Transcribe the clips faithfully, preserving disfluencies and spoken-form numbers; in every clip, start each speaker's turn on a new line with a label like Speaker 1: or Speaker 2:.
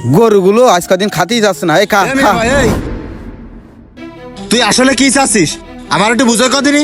Speaker 1: গরুগুলো আজ কদিন খাতেই যাচ্ছে না। এই খা
Speaker 2: এ মিয়া ভাই, এই, তুই আসলে কি চাচ্ছিস আমার একটু বুঝে কদিনই।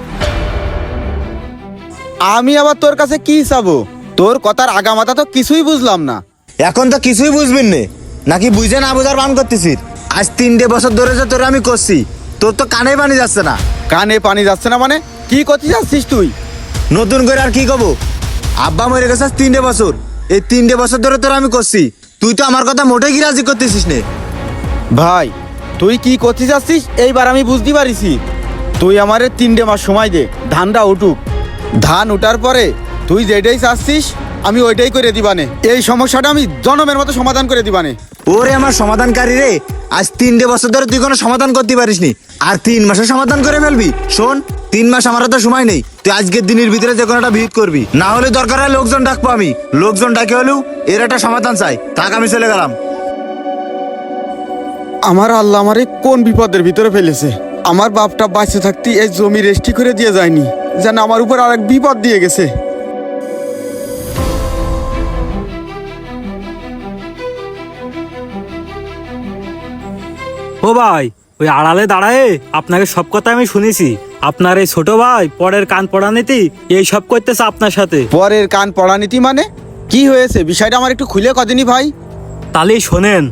Speaker 1: আমি আবার তোর কাছে কি চাবো? তোর কথার আগামাথা তো কিছুই বুঝলাম না।
Speaker 2: এখন তো কিছুই বুঝবিন নে, নাকি বুঝে না বুঝার বান করতেছিস? আজ তিনটে বছর ধরে যে তোর আমি করছি, তোর তো কানে পানি যাচ্ছে না।
Speaker 1: কানে পানি যাচ্ছে না মানে? কি করতে যাচ্ছিস তুই?
Speaker 2: নতুন করে আর কি কব? আব্বা মরে গেছে আজ তিনটে বছর, এই তিনটে বছর ধরে তোর আমি করছি, তুই তো আমার কথা মোটেই কি রাজি করতেছিস নে।
Speaker 1: ভাই তুই কি করতে যাচ্ছিস এইবার আমি বুঝতে পারিছি। তুই আমারে তিনটে মাস সময় দে, ধানটা উঠুক। ধান উঠার পরে তুই যেটাই চাচ্ছিস আমি ওইটাই করে দিবানে। এই সমস্যাটা আমি জনমের মতো সমাধান করে দিবানে।
Speaker 2: ওরে আমার সমাধানকারী রে, আজ তিনটে বছর ধরে তুই কোনো সমাধান করতে পারিসনি, আর তিন মাসে সমাধান করে ফেলবি? শোন, তিন মাস আমার তো সময় নেই, তুই আজকের দিনের ভিতরে যে কোনো একটা ভিড় করবি, না হলে দরকার হয় লোকজন ডাকবো আমি। লোকজন ডাকে হলেও এর একটা সমাধান চাই, থাক আমি চলে গেলাম।
Speaker 1: আমার আল্লাহ আমারে কোন বিপদের ভিতরে ফেলেছে। আমার বাপটা বাঁচে থাকতে এই জমি রেস্টি করে দিয়ে যায়নি, যেন আমার উপর আরেক বিপদ দিয়ে গেছে।
Speaker 3: ও ভাই, ওই আড়ালে দাঁড়ায় আপনাকে সব কথা আমি শুনেছি। আপনার এই ছোট ভাই পরের কান পড়া নীতি এই সব করতেছে আপনার সাথে।
Speaker 1: পরের কান পড়া নীতি মানে কি হয়েছে? বিষয়টা আমার একটু খুলে কদিনই ভাই।
Speaker 3: তাহলে শোনেন।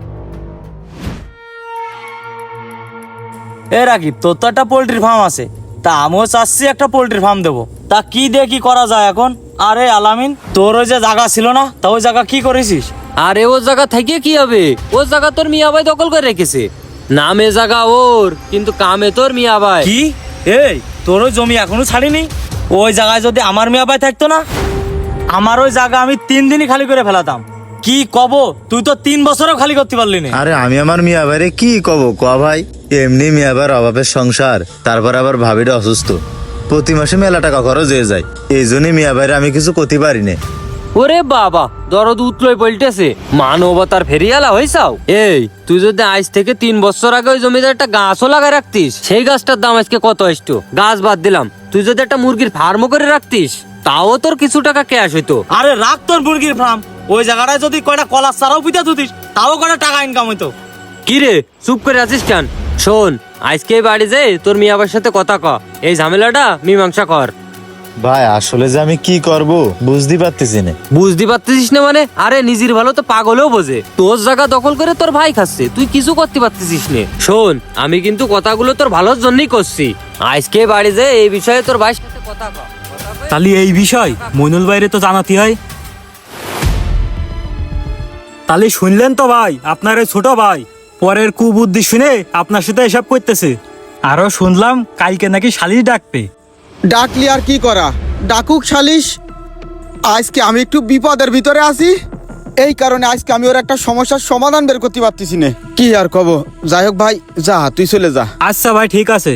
Speaker 4: এ রাকিব, তোর তো একটা পোল্ট্রি ফার্ম আছে, তা আমিও চাচ্ছি একটা পোল্ট্রি ফার্ম দেবো। তা কি দিয়ে কি করা যায় এখন? আরে আলামিন, তোর ওই যে জায়গা ছিল না, তা ওই জায়গা কি করেছিস?
Speaker 5: আরে ও জায়গা থেকে কি হবে? ও জায়গা তোর মিয়া ভাই দখল করে রেখেছে। নামে জায়গা ওর, কিন্তু কামে তোর মিয়া ভাই।
Speaker 4: কি? এই তোর ওই জমি এখনো ছাড়িনি? ওই জায়গায় যদি আমার মিয়া ভাই থাকতো না, আমার ওই জায়গা আমি তিন দিনই খালি করে ফেলাতাম। কি কব, তুই তো তিন বছরও খালি করতে পারলি না।
Speaker 2: আরে আমি আমার মিয়া ভাইরে কি কব ক ভাই, এমনি মিয়া ভাইয়ের অভাবের সংসার, তারপর আবার ভাবিটা অসুস্থ, প্রতি মাসে মেলা টাকা খরচ হয়ে যায়, এই জন্যই মিয়া ভাইরে আমি কিছু করতে পারি না।
Speaker 5: ওরে বাবা, দরদ উতলই পল্টেছে, মানবতার ফেরিয়ালা হইছাও। এই তুই যদি আজ থেকে তিন বছর আগে ওই জমিতে একটা গাছও লাগাই রাখতিস, সেই গাছটার দাম আজকে কত আসতো? গাছ বাদ দিলাম, তুই যদি একটা মুরগির ফার্মও করে রাখতিস, তাও তোর কিছু টাকা ক্যাশ হইতো।
Speaker 4: আরে রাখ তোর মুরগির ফার্ম, ওই জায়গাটায় যদি কয়টা কলার চারাও পিতা ধুতিস, তাও কয়টা টাকা ইনকাম হইতো।
Speaker 5: কি রে চুপ করে আছিস কেন? শোন, আজকে বাড়ি যাই তোর মিয়াবার সাথে কথা ক, এই ঝামেলাটা মীমাংসা কর।
Speaker 2: ভাই আসলে যে আমি কি করব বুঝতে পারতেছি না।
Speaker 5: বুঝতে পারতেছিস না মানে? আরে নিজের ভালো তো পাগলেও বোঝে। তোর জায়গা দখল করে তোর ভাই খাচ্ছে, তুই কিছু করতে পারতেছিস না। শোন, আমি কিন্তু কথাগুলো তোর ভালোর জন্যই করছি। আজকে বাড়ি যাই এই বিষয়ে তোর ভাইয়ের সাথে কথা ক।
Speaker 3: তাহলে এই বিষয় মইনুল বাইরে তো জানাতে হয়। তাহলে শুনলেন তো ভাই, আপনার এই ছোট ভাই পরের কুবুদ্ধি শুনে আপনার সাথে এসব করতেছে। আরো শুনলাম কালকে নাকি শালিশ ডাকবে।
Speaker 1: ডাকলি আর কি করা, ডাকুক সালিশ। আজকে আমি একটু বিপদের ভিতরে আছি, এই কারণে আজকে আমি ওর একটা সমস্যার সমাধান বের করতে পারতেছি না। কি আর কব, যাই হোক ভাই, যা তুই চলে যা।
Speaker 3: আচ্ছা ভাই, ঠিক আছে।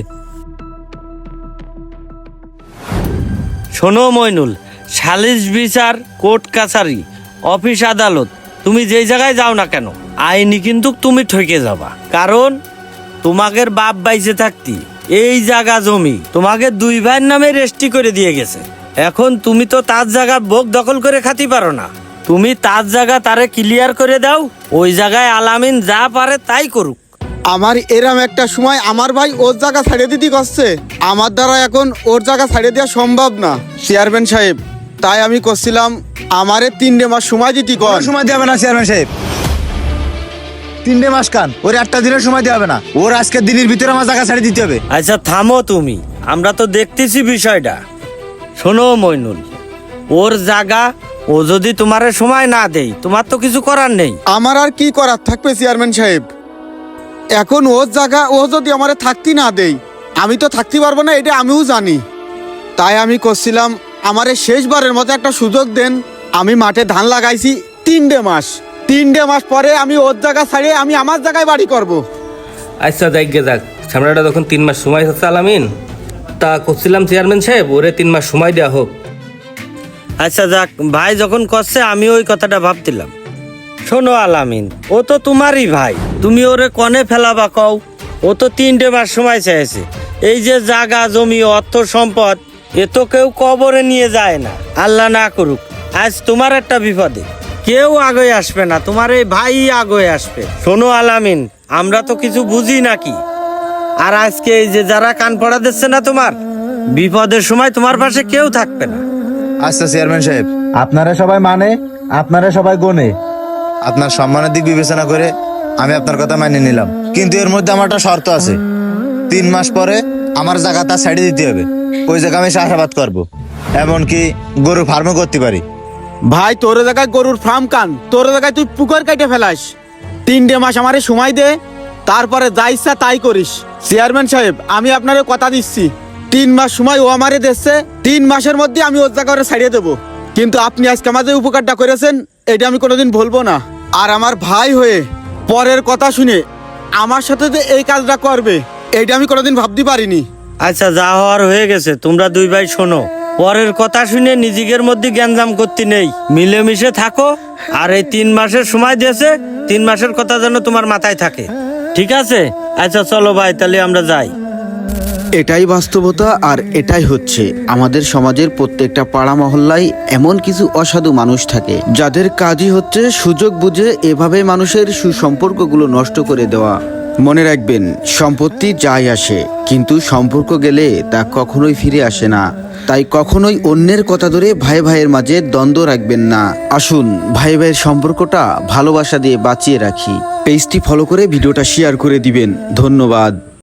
Speaker 4: শোনো মইনুল, সালিশ বিচার, কোর্ট কাছারি, অফিস আদালত, তুমি যেই জায়গায় যাও না কেন, আইনি কিন্তু তুমি ঠকে যাবা। কারণ তোমাদের বাপ বাইসে থাকতি এই জায়গা জমি তোমাকে দুই ভাইয়ের নামে রেজিস্ট্রি করে দিয়ে গেছে। এখন তুমি তো তার জায়গা ভোগ দখল করে খাতি পারো না, তুমি তার জায়গা তারে ক্লিয়ার করে দাও, ওই জায়গায় আলামিন যা পারে তাই করুক।
Speaker 1: আমার এরম একটা সময় আমার ভাই ওর জায়গা ছাড়িয়ে দিতে করছে, আমার দ্বারা এখন ওর জায়গা ছাড়িয়ে দেওয়া সম্ভব না চেয়ারম্যান সাহেব। তাই আমি করছিলাম আমারে তিনটে মাস সময় দিতে কর।
Speaker 2: কোনো সময় দেবে না চেয়ারম্যান সাহেব, তিনটে মাস কান, ওর একটা দিনের সময় দেওয়া হবে না, ওর আজকের দিনের ভিতরে আমার জায়গা ছাড়িয়ে দিতে হবে।
Speaker 4: আচ্ছা থামো তুমি, আমরা তো দেখতেছি বিষয়টা। শোনো মইনুল, ওর জায়গা ও যদি তোমার সময় না দেই, তোমার তো কিছু করার নেই।
Speaker 1: আমার আর কি করার থাকবে চেয়ারম্যান সাহেব? এখন ওর জায়গা ও যদি আমারে থাকতে না দেই, আমি তো থাকতে পারবো না, এটা আমিও জানি। তাই আমি করছিলাম আমারে শেষবারের মতো একটা সুযোগ দেন। আমি মাঠে ধান লাগাইছি তিনটে মাস, তিনটে মাস পরে আমি ওর জায়গা ছাড়িয়ে আমি আমার জায়গায় বাড়ি করব।
Speaker 6: আচ্ছা যাক গে যাক, সামনেটা তখন তিন মাস সময় হচ্ছে আলামিন, তা করছিলাম চেয়ারম্যান সাহেব ওরে তিন মাস সময় দেওয়া হোক।
Speaker 4: আচ্ছা যাক, ভাই যখন করছে আমি ওই কথাটা ভাবছিলাম। শোনো আলামিন, ও তো তোমারই ভাই, তুমি ওরে কনে ফেলাবা কও? ও তো তিনটে মাস সময় চাইছে। এই যে জায়গা জমি অর্থ সম্পদ, এ তো কেউ কবরে নিয়ে যায় না, আল্লাহ না করুক আজ তোমার একটা বিপদে। কেউ আগে আসবে না, তোমার এই ভাই আগে আসবে। শোনো আলামিন, আমরা তো কিছু বুঝি নাকি, আর আজকে এই যে যারা কান পড়া দিচ্ছে না তোমার, বিপদের সময় তোমার পাশে কেউ থাকবে না।
Speaker 2: আচ্ছা চেয়ারম্যান সাহেব, আপনারা সবাই মানে, আপনারা সবাই গনে, আপনার সম্মানের দিক বিবেচনা করে আমি আপনার কথা মেনে নিলাম, কিন্তু এর মধ্যে আমার একটা শর্ত আছে। তিন মাস পরে আমার জায়গা তার সাইডে দিতে হবে। ওই জায়গা আমি চাষাবাদ করবো, এমনকি গরু ফার্মও করতে পারি।
Speaker 1: ভাই তোর জায়গায় গরুর ফার্ম কান, তোর জায়গায় তুই পুকুর কাটে ফেলাস। তিনটে মাস আমারে সময় দে, তারপরে যা ইচ্ছা তাই করিস। চেয়ারম্যান সাহেব, আমি আপনারে কথা দিচ্ছি, তিন মাস সময় ও আমারে দিচ্ছে, তিন মাসের মধ্যে আমি ওর জায়গা ছাড়িয়ে দেবো। কিন্তু আপনি আজকে আমাদের উপকারটা করেছেন, এটা আমি কোনোদিন ভুলবো না। আর আমার ভাই হয়ে পরের কথা শুনে আমার সাথে যে এই কাজটা করবে, এইটা আমি কোনোদিন ভাবতে পারিনি।
Speaker 4: আচ্ছা, যা হওয়ার হয়ে গেছে, তোমরা দুই ভাই শোনো, পরের কথা শুনে নিজেদের মধ্যে গ্যাঞ্জাম করতে নেই, মিলেমিশে থাকো। আর এই তিন মাসের সময় দিয়েছে, তিন মাসের কথা যেন তোমার মাথায় থাকে, ঠিক আছে? আচ্ছা চলো ভাই, তাহলে আমরা যাই।
Speaker 1: এটাই বাস্তবতা, আর এটাই হচ্ছে আমাদের সমাজের প্রত্যেকটা পাড়া মহল্লায় এমন কিছু অসাধু মানুষ থাকে, যাদের কাজই হচ্ছে সুযোগ বুঝে এভাবে মানুষের সুসম্পর্কগুলো নষ্ট করে দেওয়া। মনে রাখবেন, সম্পত্তি যাই আসে, কিন্তু সম্পর্ক গেলে তা কখনোই ফিরে আসে না। তাই কখনোই অন্যের কথা ধরে ভাই ভাইয়ের মাঝে দ্বন্দ্ব রাখবেন না। আসুন ভাই ভাইয়ের সম্পর্কটা ভালোবাসা দিয়ে বাঁচিয়ে রাখি। পেজটি ফলো করে ভিডিওটা শেয়ার করে দিবেন। ধন্যবাদ।